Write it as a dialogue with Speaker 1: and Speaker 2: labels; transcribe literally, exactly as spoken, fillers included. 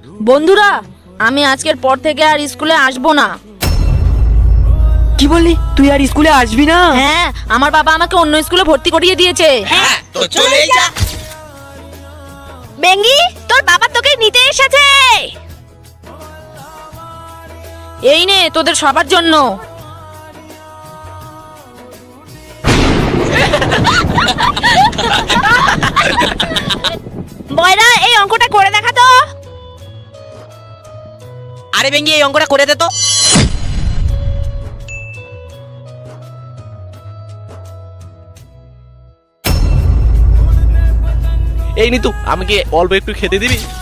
Speaker 1: বন্ধুরা, আমি আজকের পর থেকে আর স্কুলে আসবো না।
Speaker 2: কি বললি? তুই আর স্কুলে আসবি না?
Speaker 1: হ্যাঁ, আমার বাবা আমাকে অন্য স্কুলে ভর্তি করিয়ে দিয়েছে।
Speaker 3: হ্যাঁ, তো চলেই যা।
Speaker 1: বেঙ্গি, তোর বাবা তোকে নিতে এসেছে। এই নে তোদের সবার জন্য। বয়রা, এই অঙ্কটা করে দেখা তো।
Speaker 3: আরে বেঙ্গি, এই অঙ্কটা করে দে তো।
Speaker 4: এই নিতু, আমাকে অল্প একটু খেতে দিবি?